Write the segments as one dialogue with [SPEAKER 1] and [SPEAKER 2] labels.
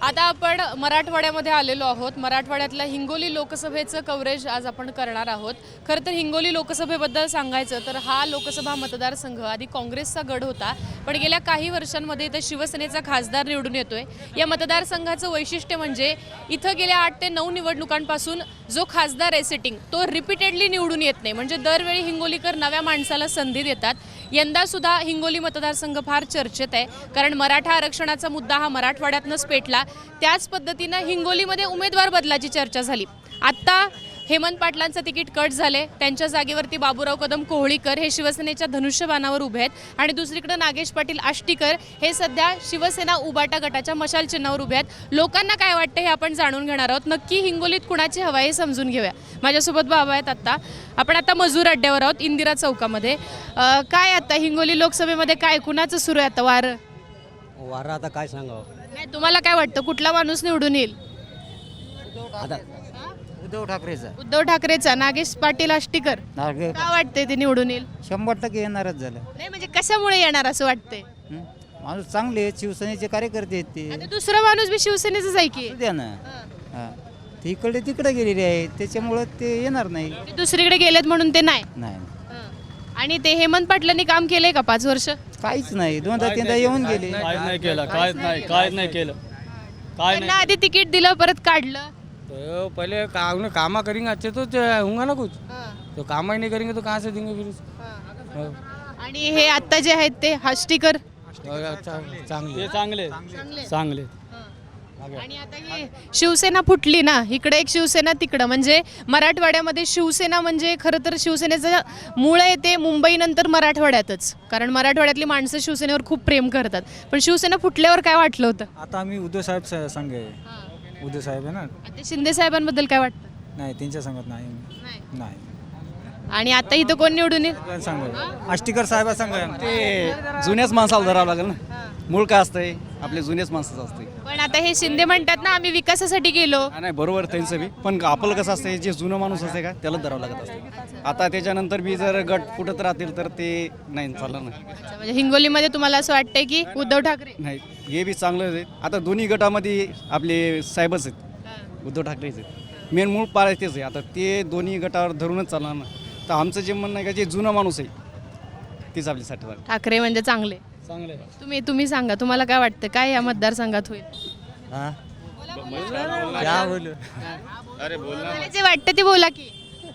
[SPEAKER 1] आता आपण मराठवाड्यामध्ये आलेलो आहोत. मराठवाड्यातल्या हिंगोली लोकसभेचं कव्हरेज आज आपण करणार आहोत. खरं तर हिंगोली लोकसभेबद्दल सांगायचं तर हा लोकसभा मतदारसंघ आधी काँग्रेसचा गड होता, पण गेल्या काही वर्षांमध्ये इथं शिवसेनेचा खासदार निवडून येतोय. या मतदारसंघाचं वैशिष्ट्य म्हणजे इथं गेल्या 8 ते 9 निवडणुकांपासून जो खासदार आहे सिटिंग तो रिपीटेडली निवडून येत नाही. म्हणजे दरवेळी हिंगोलीकर नव्या माणसाला संधी देतात. यंदा सुद्धा हिंगोली मतदारसंघ फार चर्चेत आहे, कारण मराठा आरक्षणाचा मुद्दा हा मराठवाड्यातनंच पेटला. त्याच पद्धतीनं हिंगोलीमध्ये उमेदवार बदलाची चर्चा झाली. आत्ता हेमंत पाटलांचं तिकीट कट झाले, त्यांच्या जागेवरती बाबूराव कदम कोहळीकर हे शिवसेनेच्या धनुष्यबाणावर उभे आहेत आणि दुसरीकडे नागेश पाटील आष्टीकर हे सध्या शिवसेना उबाटा गटाच्या मशाल चिन्हावर उभे आहेत. लोकांना काय वाटतं हे आपण जाणून घेणार आहोत. नक्की हिंगोलीत कुणाची हवा हे समजून घेऊया. माझ्यासोबत बाबा आहेत. आपण आता मजूर अड्ड्यावर आहोत इंदिरा चौकामध्ये. काय आता हिंगोली लोकसभेमध्ये काय कुणाचं सुरू आहे आता वारं
[SPEAKER 2] आता काय सांगावं.
[SPEAKER 1] नाही, तुम्हाला काय वाटतं कुठला माणूस निवडून येईल?
[SPEAKER 2] आता उद्धव ठाकरेचा
[SPEAKER 1] उद्धव ठाकरेचा, नागेश पाटील आष्टीकर का वाटतंय ते निवडून येईल?
[SPEAKER 2] 100% येणारच झालं.
[SPEAKER 1] नाही म्हणजे कशामुळे येणार असं वाटतंय?
[SPEAKER 2] माणूस चांगले आहेत, शिवसेनेचे कार्यकर्ते आहेत ते.
[SPEAKER 1] आता दुसरा माणूस बी शिवसेनेचाच आहे की.
[SPEAKER 2] असू द्या ना. ते इकडे तिकडे गेलेले आहेत, त्याच्यामुळं ते येणार नाही.
[SPEAKER 1] ते दुसरीकडे गेलेत म्हणून ते नाही.
[SPEAKER 2] नाही
[SPEAKER 1] आणि ते हेमंत पाटलांनी काम केलंय का 5 वर्ष?
[SPEAKER 2] काहीच नाही. 2-3दा येऊन गेले.
[SPEAKER 3] काहीच नाही केलं, काहीच नाही केलं, काय
[SPEAKER 1] त्यांना आधी तिकीट दिलं परत काढलं.
[SPEAKER 3] तो पहले कामा करेंगे अच्छे तो होगा ना कुछ, तो काम ही नहीं करेंगे तो कहाँ से देंगे फिर.
[SPEAKER 1] आणि हे आता जे आहेत ते आष्टीकर
[SPEAKER 3] चांगले.
[SPEAKER 1] आणि आता ही शिवसेना फुटली ना, इकडे एक शिवसेना तिकडं. म्हणजे मराठवाड्यामध्ये शिवसेना म्हणजे खरं तर शिवसेनेचं मूळ आहे ते मुंबईनंतर मराठवाड्यातच, कारण मराठवाड्यातली माणसं शिवसेनेवर खूप प्रेम करतात. पण शिवसेना फुटल्यावर काय वाटलं होतं?
[SPEAKER 4] आता आम्ही उद्धव साहेब संघ आहे. उद्धव साहेब आहे ना.
[SPEAKER 1] ते शिंदे साहेबांबद्दल काय वाटतं?
[SPEAKER 4] नाही, त्यांच्या संघात नाही. नाही
[SPEAKER 1] आणि आता इथं कोण निवडून येईल?
[SPEAKER 4] संघ आहे. आष्टीकर साहेब संघ आहे.
[SPEAKER 5] ते जुन्याच माणसाला धरावं लागेल ना. मूळ काय असतंय आपले जुन्याच माणसाचं असतंय.
[SPEAKER 1] पण आता हे शिंदे म्हणतात ना आम्ही विकासासाठी गेलो.
[SPEAKER 5] नाही बरोबर त्यांचं बी, पण आपलं कसं असतंय जे जुनं माणूस असते का त्याला धरावं लागत असते. आता त्याच्यानंतर बी जर गट फुटत राहतील तर ते नाही चालणार नाही.
[SPEAKER 1] म्हणजे हिंगोलीमध्ये तुम्हाला असं वाटतंय की उद्धव ठाकरे?
[SPEAKER 5] नाही, हे बी चांगलं आहे. आता दोन्ही गटामध्ये आपले साहेबच आहेत, उद्धव ठाकरेच आहेत. मेन मूळ पाळायचं तेच आहे. आता ते दोन्ही गटावर धरूनच चालणार ना. तर आमचं जे म्हणणं आहे का जे जुनं माणूस आहे तेच आपल्यासाठी
[SPEAKER 1] ठाकरे म्हणजे चांगले. तुम्ही सांगा, तुम्हाला काय वाटतं काय या मतदारसंघात होईल? तुम्हाला जे वाटतं ते बोला की.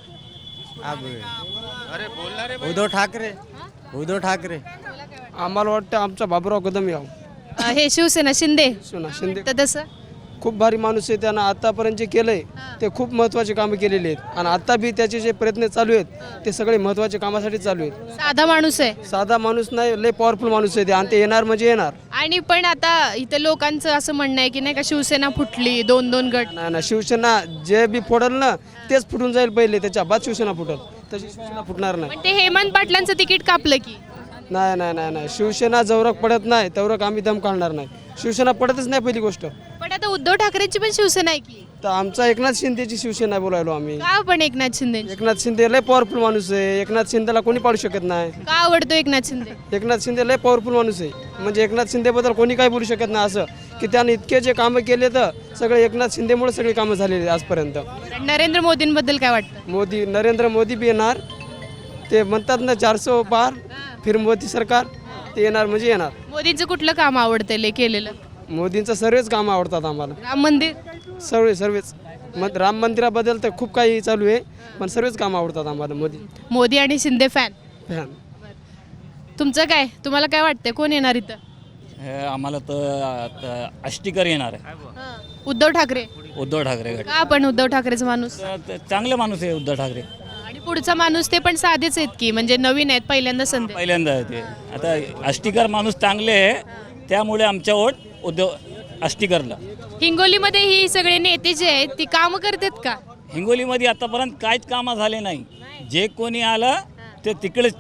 [SPEAKER 2] उद्धव ठाकरे
[SPEAKER 6] आम्हाला वाटतं आमचा बाबूराव कदम यावं.
[SPEAKER 1] हे शिवसेना शिंदे
[SPEAKER 6] शिंदे
[SPEAKER 1] तर तसं
[SPEAKER 6] खूप भारी माणूस आहे. त्यानं आतापर्यंत जे केलंय ते खूप महत्त्वाचे कामं केलेले आहेत आणि आता बी त्याचे जे प्रयत्न चालू आहेत ते सगळे महत्त्वाचे कामासाठी चालू आहेत.
[SPEAKER 1] साधा माणूस आहे.
[SPEAKER 6] साधा माणूस नाही, लय पॉवरफुल माणूस आहे ते आणि ते येणार म्हणजे येणार.
[SPEAKER 1] आणि पण आता इथं लोकांचं असं म्हणणं आहे की नाही का शिवसेना फुटली, 2-2 गट.
[SPEAKER 6] नाही ना, शिवसेना जे बी फोडल ना तेच फुटून जाईल पहिले, त्याच्या बाद शिवसेना फुटल. तशी शिवसेना फुटणार नाही.
[SPEAKER 1] पण ते हेमंत पाटलांचं तिकीट कापलं की.
[SPEAKER 6] नाही नाही नाही नाही, शिवसेना जवळक पडत नाही तेवढं आम्ही दम काढणार नाही. शिवसेना पडतच नाही पहिली गोष्ट.
[SPEAKER 1] पण आता उद्धव ठाकरेंची पण शिवसेना आहे की.
[SPEAKER 6] तर आमचा एकनाथ शिंदेची शिवसेना बोलायलो आम्ही.
[SPEAKER 1] का पण एकनाथ शिंदे?
[SPEAKER 6] एकनाथ शिंदे लय पॉवरफुल माणूस आहे. एकनाथ शिंदेला कोणी पाडू शकत नाही.
[SPEAKER 1] का आवडतो एकनाथ शिंदे?
[SPEAKER 6] एकनाथ शिंदे लय पॉवरफुल माणूस आहे. म्हणजे एकनाथ शिंदेबद्दल कोणी काही बोलू शकत नाही असं की त्याने इतके जे कामं केले तर सगळे एकनाथ शिंदेमुळे सगळे कामं झालेली आजपर्यंत.
[SPEAKER 1] नरेंद्र मोदींबद्दल काय वाटतं?
[SPEAKER 6] नरेंद्र मोदी बी येणार. ते म्हणतात ना 400 पार फिर मोदी सरकार, ते येणार म्हणजे येणार.
[SPEAKER 1] मोदींचं कुठलं काम आवडतं लय केलेलं?
[SPEAKER 6] मोदींचं सर्वच कामं आवडतात आम्हाला.
[SPEAKER 1] राम मंदिर?
[SPEAKER 6] सर्वच राम मंदिराबद्दल तर खूप काही चालू आहे, पण सर्वच कामं आवडतात आम्हाला.
[SPEAKER 1] मोदी आणि शिंदे फॅन.
[SPEAKER 6] फॅन.
[SPEAKER 1] तुमचं काय, तुम्हाला काय वाटतंय कोण येणार इथं?
[SPEAKER 7] आम्हाला तर आष्टीकर येणार आहे.
[SPEAKER 1] उद्धव ठाकरे?
[SPEAKER 7] उद्धव ठाकरे गट.
[SPEAKER 1] का पण उद्धव ठाकरेचा माणूस?
[SPEAKER 7] चांगले माणूस आहे उद्धव ठाकरे.
[SPEAKER 1] आणि पुढचा माणूस ते पण साधेच आहेत की, म्हणजे नवीन आहेत, पहिल्यांदा संधी.
[SPEAKER 7] पहिल्यांदा आहे ते. आता आष्टीकर माणूस चांगले आहे त्यामुळे आमच्या वोट उद्धव आष्टीकरला.
[SPEAKER 1] हिंगोलीमध्ये ही सगळे नेते जे आहेत ती कामं करतात का?
[SPEAKER 7] हिंगोलीमध्ये आतापर्यंत काहीच कामं झाले नाही. जे कोणी आलं ते तिकडेच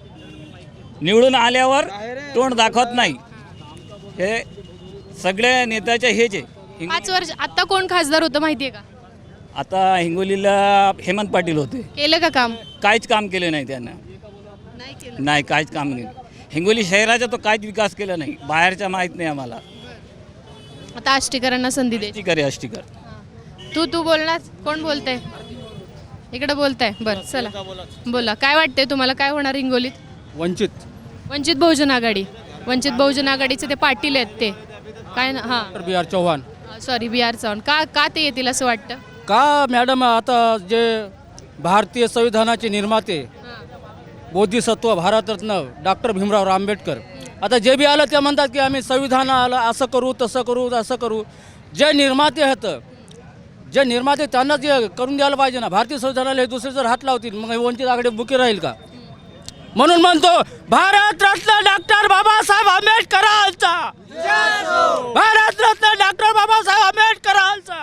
[SPEAKER 7] निवडून आल्यावर तोंड दाखवत नाही. हे सगळ्या नेत्याच्या हेच आहे.
[SPEAKER 1] 5 वर्ष आता कोण खासदार होतं माहितीये का?
[SPEAKER 7] आता हिंगोलीला हेमंत पाटील होते.
[SPEAKER 1] केलं का काम?
[SPEAKER 7] काहीच काम केलं नाही त्यांना. नाही काहीच काम नाही. हिंगोली शहराचा तो काहीच विकास केला नाही. बाहेरचा माहीत नाही आम्हाला.
[SPEAKER 1] आता आष्टीकरांना संधी दे.
[SPEAKER 7] आष्टीकर आहे, आष्टीकर.
[SPEAKER 1] तू बोलणार, कोण बोलतंय इकडे बोलताय? बरं चला बोला, काय वाटतंय तुम्हाला, काय होणार हिंगोलीत? वंचित बहुजन आघाडी. वंचित बहुजन आघाडीचे ते पाटील आहेत ते काय ना, हां
[SPEAKER 8] B R Chavan.
[SPEAKER 1] Sorry B R Chavan. का ते येतील असं वाटतं?
[SPEAKER 8] का मॅडम, आता जे भारतीय संविधानाचे निर्माते बोधिसत्व भारतरत्न डॉक्टर भीमराव आंबेडकर, आता जे बी आलं ते म्हणतात की आम्ही संविधानाला असं करू तसं करू असं करू. जे निर्माते आहेत, जे निर्माते त्यांना जे करून द्यायला पाहिजे ना. भारतीय संविधानाला हे दुसरे जर हात लावतील मग वंचित आघाडी बुकी राहील का? म्हणून म्हणतो भारतरत्न डॉक्टर बाबासाहेब आंबेडकरांचा, भारतरत्न डॉक्टर बाबासाहेब आंबेडकरांचा.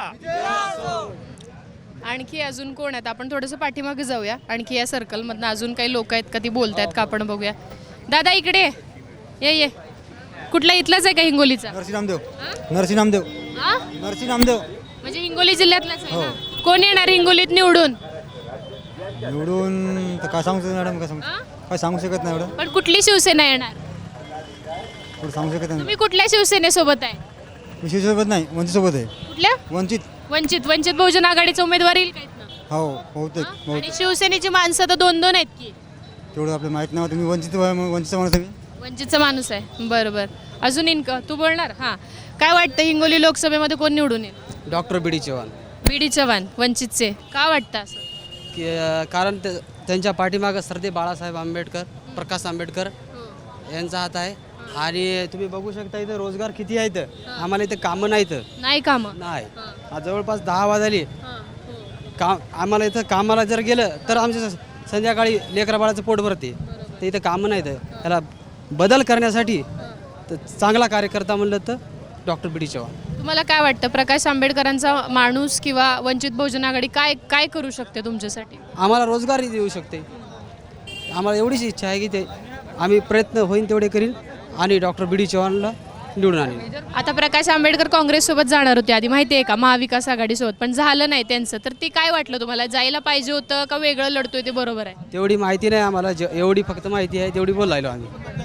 [SPEAKER 1] आणखी अजून कोण आहेत? आपण थोडंसं पाठीमागे जाऊया. आणखी या सर्कलमधनं अजून काही लोक आहेत का, ती बोलतायत का, आपण बघूया. दादा इकडे ये. कुठला इथलाच आहे का हिंगोलीचा?
[SPEAKER 2] नरसिंहदेव.
[SPEAKER 1] हा?
[SPEAKER 2] नरसिंहदेव
[SPEAKER 1] म्हणजे हिंगोली जिल्ह्यातलाच आहे ना? कोण येणार हिंगोलीत निवडून?
[SPEAKER 2] निवडून तर काय सांगू शकत मॅडम, काय सांगू शकत नाही एवढं.
[SPEAKER 1] पण कुठली शिवसेना येणार?
[SPEAKER 2] एवढं सांगू शकत नाही.
[SPEAKER 1] तुम्ही कुठल्या शिवसेनेसोबत आहे?
[SPEAKER 2] मी शिवसोबत नाही, वंचितसोबत आहे.
[SPEAKER 1] कुठल्या? वंचित बहुजन आघाडीचा उमेदवार येईल का इथनं?
[SPEAKER 2] हो बहुतेक
[SPEAKER 1] आणि शिवसेनेची माणसं तर 2-2 आहेत की.
[SPEAKER 2] तेवढं आपल्याला माहीत नाही. तुम्ही वंचितचा माणूस आहे.
[SPEAKER 1] वंचितचा माणूस आहे. बरोबर. अजून तू बोलणार? हां, काय वाटतं हिंगोली लोकसभेमध्ये कोण निवडून येईल?
[SPEAKER 6] Doctor B D Chavan.
[SPEAKER 1] B D. Chavan वंचितचे. का वाटतं असं?
[SPEAKER 6] की कारण त्यांच्या पाठीमागं सरदे बाळासाहेब आंबेडकर, प्रकाश आंबेडकर यांचा हात आहे. आणि तुम्ही बघू शकता इथं रोजगार किती आहेत. आम्हाला इथं कामं नाहीत.
[SPEAKER 1] नाही कामं.
[SPEAKER 6] नाही, आज जवळपास 10 वाजली. आम्हाला इथं कामाला जर गेलं तर आमच्या संध्याकाळी लेकरा बाळाचं पोट भरते. तर इथं कामं नाहीत. त्याला बदल करण्यासाठी तर चांगला कार्यकर्ता म्हणलं तर डॉक्टर बी डी चव्हाण.
[SPEAKER 1] तुम्हाला काय वाटतं, प्रकाश आंबेडकरांचा माणूस किंवा वंचित बहुजन आघाडी काय करू शकते तुमच्यासाठी?
[SPEAKER 6] आम्हाला रोजगारही देऊ शकते. आम्हाला एवढीच इच्छा आहे की ते आम्ही प्रयत्न होईल तेवढे करील आणि डॉक्टर बी डी चव्हाणला निवडून आणेल.
[SPEAKER 1] आता प्रकाश आंबेडकर काँग्रेससोबत जाणार होते आधी, माहिती आहे का, महाविकास आघाडीसोबत, पण झालं नाही त्यांचं. तर ते काय वाटलं तुम्हाला, जायला पाहिजे होतं का वेगळं लढतोय ते बरोबर आहे?
[SPEAKER 6] तेवढी माहिती नाही आम्हाला, एवढी फक्त माहिती आहे तेवढी बोलायलो आम्ही.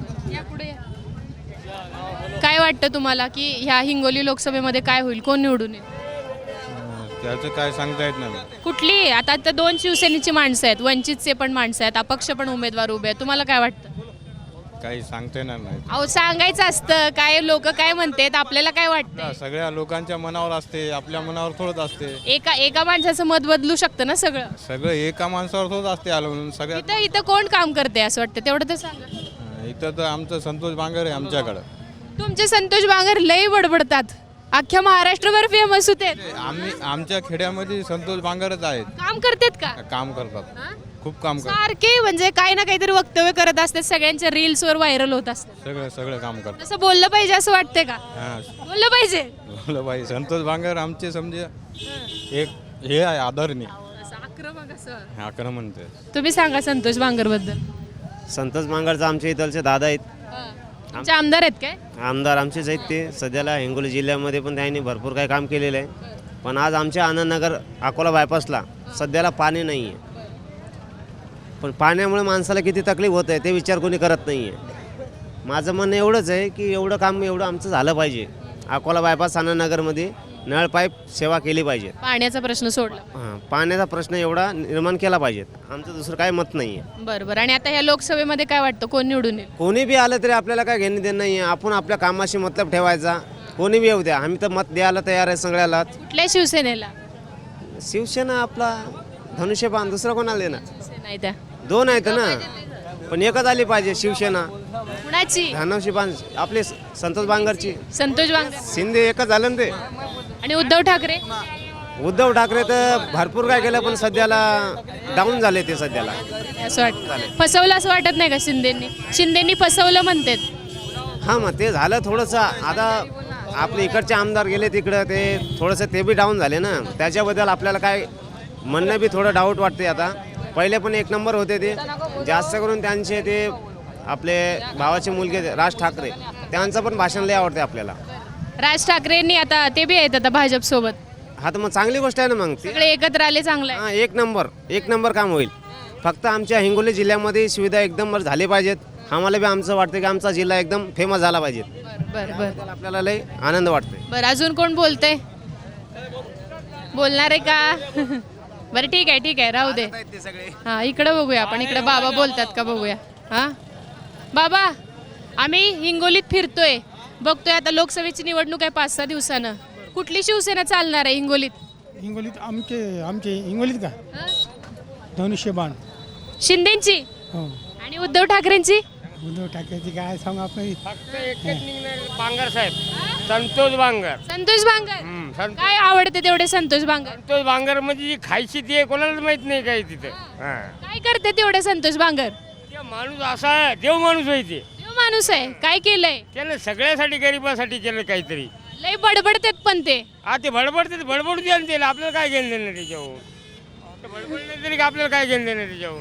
[SPEAKER 1] काय वाटतं तुम्हाला की ह्या हिंगोली लोकसभेमध्ये काय होईल, कोण निवडून येईल?
[SPEAKER 9] त्याचं काय सांगता येत नाही.
[SPEAKER 1] कुठली? आता 2 शिवसेनेची माणसं आहेत, वंचितचे पण माणसं आहेत, अपक्ष पण उमेदवार उभे आहेत. तुम्हाला काय वाटतं?
[SPEAKER 9] काही सांगता येणार नाही.
[SPEAKER 1] अहो सांगायचं असतं, काय लोक काय म्हणतात, आपल्याला काय वाटतं?
[SPEAKER 9] सगळ्या लोकांच्या मनावर असते, आपल्या मनावर थोडंच असते.
[SPEAKER 1] एका माणसाचं मत बदलू शकतं ना सगळं.
[SPEAKER 9] सगळं एका माणसावर थोडंच असते आलं म्हणून सगळ्यात.
[SPEAKER 1] इथं कोण काम करते असं वाटतं, तेवढं तर सांगा.
[SPEAKER 9] इथं तर आमचं संतोष बांगर आहे आमच्याकडं.
[SPEAKER 1] तुमचे संतोष बांगर लई बडबडतात, अख्ख्या महाराष्ट्रभर फेमस होते.
[SPEAKER 9] आमच्या खेड्यामध्ये संतोष बांगरच आहेत.
[SPEAKER 1] काम करतात का?
[SPEAKER 9] काम करतात, खूप काम करतात.
[SPEAKER 1] सारखे म्हणजे काही ना काहीतरी वक्तव्य करत असतात, सगळ्यांच्या रील्सवर व्हायरल होत असतात.
[SPEAKER 9] सगळं काम करतात.
[SPEAKER 1] तसं बोललं पाहिजे असं वाटतंय का?
[SPEAKER 9] हां,
[SPEAKER 1] बोललं पाहिजे.
[SPEAKER 9] बोला बाई, संतोष बांगर आमचे समजे एक हे आहे आदरणीय. आक्रमण ते.
[SPEAKER 1] तुम्ही सांगा संतोष बांगर बद्दल.
[SPEAKER 10] संतोष बांगरचा आमच्या इथलचे दादा आहेत.
[SPEAKER 1] तुमचे आमदार आहेत काय?
[SPEAKER 10] आमदार आमचेच आहेत ते. सध्याला हिंगोली जिल्ह्यामध्ये पण त्यांनी भरपूर काही काम केलेलं आहे. पण आज आमच्या आनंदनगर अकोला बायपासला सध्याला पाणी नाही आहे. पण पाण्यामुळे माणसाला किती तकलीफ होत आहे ते विचार कोणी करत नाही आहे. माझं म्हणणं एवढंच आहे की एवढं काम आमचं झालं पाहिजे. अकोला बायपास आनंदनगरमध्ये नळ पाईप सेवा केली पाहिजे.
[SPEAKER 1] पाण्याचा प्रश्न सोडला.
[SPEAKER 10] हां, पाण्याचा प्रश्न एवढा निर्माण केला पाहिजे. आमचं दुसरं काही मत नाही आहे.
[SPEAKER 1] बरोबर. आणि आता ह्या लोकसभेमध्ये काय वाटतं, कोण निवडून येईल?
[SPEAKER 10] कोणी बी आलं तरी आपल्याला काय घेणं देणं नाही आहे. आपण आपल्या कामाशी मतलब ठेवायचा. कोणी बी येऊ द्या, आम्ही तर मत द्यायला तयार आहे सगळ्याला.
[SPEAKER 1] कुठल्या शिवसेनेला?
[SPEAKER 10] शिवसेना आपला धनुष्यबाण, दुसरा कोणाला देणार?
[SPEAKER 1] नाही त्या
[SPEAKER 10] 2 आहेत ना, पण एकच आली पाहिजे शिवसेना.
[SPEAKER 1] कुणाची?
[SPEAKER 10] धनुष्यबाण आपले संतोष बांगरची.
[SPEAKER 1] संतोष बांगर.
[SPEAKER 10] शिंदे एकच झालं ना ते.
[SPEAKER 1] आणि उद्धव ठाकरे?
[SPEAKER 10] उद्धव ठाकरे तर भरपूर काय केलं पण सध्याला डाऊन झाले ते सध्याला.
[SPEAKER 1] असं वाटतं फसवलं असं वाटत नाही का शिंदेनी फसवलं म्हणतात?
[SPEAKER 10] हां, मग ते झालं थोडंसं. आता आपले इकडचे आमदार गेले तिकडं, ते थोडंसं ते बी डाऊन झाले ना. त्याच्याबद्दल आपल्याला काय म्हणणं बी थोडं डाऊट वाटते. आता पहिले पण 1 नंबर होते ते. जास्त करून त्यांचे ते आपले भावाचे मुलगे राज ठाकरे, त्यांचं पण भाषण लय आवडते आपल्याला.
[SPEAKER 1] राज ठाकरेंनी आता ते बी आहेत आता भाजप सोबत.
[SPEAKER 10] हा, तर मग चांगली गोष्ट आहे ना. मग ते
[SPEAKER 1] सगळे एकत्र आले, चांगलं आहे.
[SPEAKER 10] हां, एक नंबर काम होईल. फक्त आमच्या हिंगोली जिल्ह्यामध्ये सुविधा एकदम झाली पाहिजेत. आम्हाला बी आमचं वाटतं की आमचा जिल्हा एकदम फेमस झाला पाहिजे.
[SPEAKER 1] बरं बरं
[SPEAKER 10] त्याला आपल्याला लय आनंद वाटतोय.
[SPEAKER 1] बरं अजून कोण बोलतंय? बोलणार आहे का? बरं ठीक आहे राहू दे. हां इकडं बघूया आपण, इकडे बाबा बोलतात का बघूया. हां बाबा, आम्ही हिंगोलीत फिरतोय, बघतोय आता लोकसभेची निवडणूक आहे 5-6 दिवसानं. कुठली शिवसेना चालणार आहे हिंगोलीत?
[SPEAKER 4] हिंगोलीत आमचे हिंगोलीत का
[SPEAKER 1] हां?
[SPEAKER 4] धनुष्यबाण.
[SPEAKER 1] शिंदेची
[SPEAKER 4] हो,
[SPEAKER 1] आणि उद्धव ठाकरेंची?
[SPEAKER 4] उद्धव ठाकरेची काय सांगू आपण.
[SPEAKER 3] फक्त एकच निघणार बांगर साहेब, संतोष बांगर.
[SPEAKER 1] संतोष बांगर. काय आवडते तेवढे संतोष बांगर?
[SPEAKER 3] संतोष बांगर म्हणजे जी खायची ती आहे, कोणालाच माहित नाही काय तिथं.
[SPEAKER 1] काय करते तेवढे संतोष बांगर?
[SPEAKER 3] ते माणूस असा आहे, देव माणूस आहे ते.
[SPEAKER 1] देव माणूस आहे. काय केलंय?
[SPEAKER 3] त्यानं सगळ्यासाठी गरिबासाठी केलं काहीतरी.
[SPEAKER 1] लय बडबडतेत पण ते.
[SPEAKER 3] हा ते बडबडते, बडबडू द्या ना त्याला, आपल्याला काय घेणं देणं त्याच्याहून. ते बडबडले तरी आपल्याला काय घेणं देणं त्याच्याहून.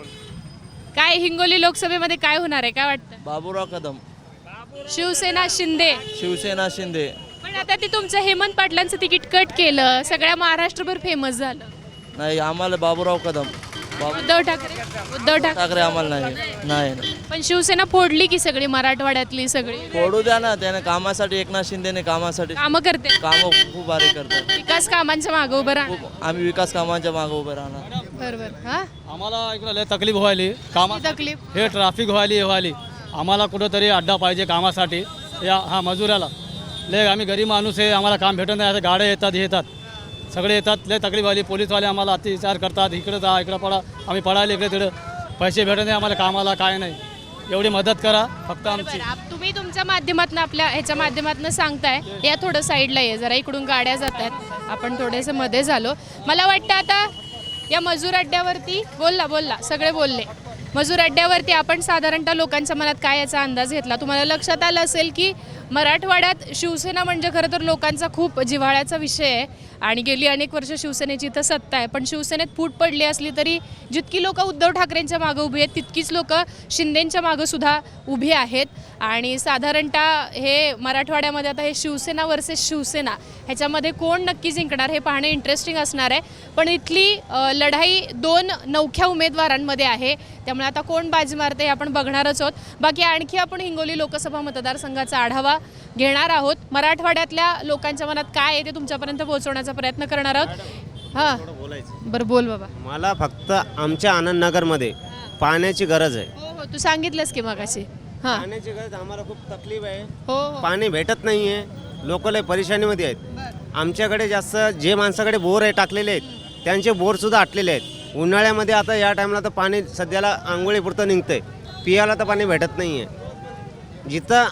[SPEAKER 1] काय हिंगोली लोकसभेमध्ये काय होणार आहे, काय वाटतं?
[SPEAKER 8] बाबूराव कदम,
[SPEAKER 1] शिवसेना शिंदे.
[SPEAKER 8] शिवसेना शिंदे.
[SPEAKER 1] पण आता ते तुमचं हेमंत पाटलांचं तिकीट कट केलं, सगळ्या महाराष्ट्रभर फेमस झालं.
[SPEAKER 8] नाही, आम्हाला बाबूराव कदम.
[SPEAKER 1] उद्धव ठाकरे
[SPEAKER 8] आम्हाला नाही.
[SPEAKER 1] पण शिवसेना फोडली की सगळी, मराठवाड्यातली सगळी.
[SPEAKER 8] फोडू द्या ना, त्याने कामासाठी, एकनाथ शिंदेने कामासाठी
[SPEAKER 1] कामं करते,
[SPEAKER 8] कामं खूप भारी करतात.
[SPEAKER 1] विकास कामांच्या मागे उभं राहणार.
[SPEAKER 8] आम्ही विकास कामांच्या मागे उभे राहणार.
[SPEAKER 1] बरोबर. हा
[SPEAKER 6] आम्हाला इकडं लय तकलीफ व्हायली कामा,
[SPEAKER 1] तकलीफ.
[SPEAKER 6] हे ट्रॅफिक व्हायली. आम्हाला कुठंतरी अड्डा पाहिजे कामासाठी. हा मजुराला लय, आम्ही गरीब माणूस आहे, आम्हाला काम भेटत नाही. आता गाड्या येतात सगळे येतात, लय तकलीफ व्हायली. पोलीसवाले आम्हाला अत्याचार करतात, इकडं जा इकडं पडा, आम्ही पडायला इकडे तिकडं, पैसे भेटत नाही आम्हाला कामाला, काय नाही. एवढी मदत करा फक्त आमची.
[SPEAKER 1] तुम्ही तुमच्या माध्यमातून, आपल्या ह्याच्या माध्यमातून सांगताय. या थोडं साईडला ये जरा, इकडून गाड्या जात आहेत, आपण थोडेसे मध्ये झालो. मला वाटतं आता या मजूर अड्ड्यावरती बोलला सगळे बोलले. मजूर अड्ड्यावरती आपण साधारणतः लोकांच्या मनात काय याचा अंदाज घेतला. तुम्हाला लक्षात आलं असेल की मराठवाड्यात शिवसेना म्हणजे खरं तर लोकांचा खूप जिव्हाळ्याचा विषय आहे आणि गेली अनेक वर्ष शिवसेनेची इथं सत्ता आहे. पण शिवसेनेत फूट पडली असली तरी जितकी लोक उद्धव ठाकरेंच्या मागं उभी आहेत तितकीच लोक शिंदेंच्या मागं सुद्धा उभी आहेत. आणि साधारणतः हे मराठवाड्यामध्ये आता हे शिवसेना वर्सेस शिवसेना ह्याच्यामध्ये कोण नक्की जिंकणार हे पाहणे इंटरेस्टिंग असणार आहे. पण इथली लढाई 2 नवख्या उमेदवारांमध्ये आहे, त्यामुळे आता कोण बाजी मारते हे आपण बघणारच आहोत. बाकी आणखी आपण हिंगोली लोकसभा मतदारसंघाचा आढावा घेणार आहोत. मराठवाड्यातल्या लोकांच्या मनात काय आहे ते तुमच्यापर्यंत पोहोचवण्याचा प्रयत्न करणार आहोत. हां बरं बोल बाबा.
[SPEAKER 10] मला फक्त आमच्या आनंदनगरमध्ये पाण्याची गरज आहे.
[SPEAKER 1] हो तू सांगितलंस की मगाशी. हां
[SPEAKER 10] पाण्याची गरज आम्हाला खूप तकलीफ आहे.
[SPEAKER 1] हो
[SPEAKER 10] पाणी भेटत नाही आहे, लोक लय परेशानीमध्ये आहेत. आमच्याकडे जास्त जे माणसाकडे बोर आहे टाकलेले आहेत त्यांचे बोरसुद्धा आटलेले आहेत. उन्हाळ्यामध्ये आता या टाईमला तर पाणी सध्याला आंघोळीपुरतं निघतंय, पियाला तर पाणी भेटत नाही आहे. जिथं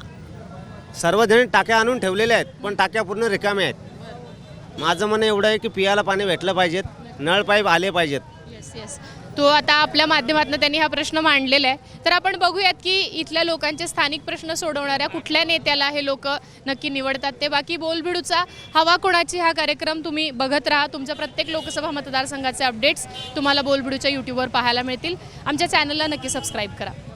[SPEAKER 10] सर्वजण टाक्या आणून ठेवलेल्या आहेत पण टाक्या पूर्ण रिकाम्या आहेत. माझं म्हणणं एवढं आहे की पियाला पाणी भेटलं पाहिजेत, नळ पाईप आले पाहिजेत.
[SPEAKER 1] येस तो आता आपल्या माध्यमातून त्यांनी हा प्रश्न मांडलेला आहे. तर आपण बघूयात की इथल्या लोकांचे स्थानिक प्रश्न सोडवणाऱ्या कुठल्या नेत्याला हे लोक नक्की निवडतात ते. बाकी बोलबिडूचा हवा कोणाची हा कार्यक्रम तुम्ही बघत राहा. तुमच्या प्रत्येक लोकसभा मतदारसंघाचे अपडेट्स तुम्हाला बोलबिडूच्या यूट्यूबवर पाहायला मिळतील. आमच्या चॅनलला नक्की सबस्क्राईब करा.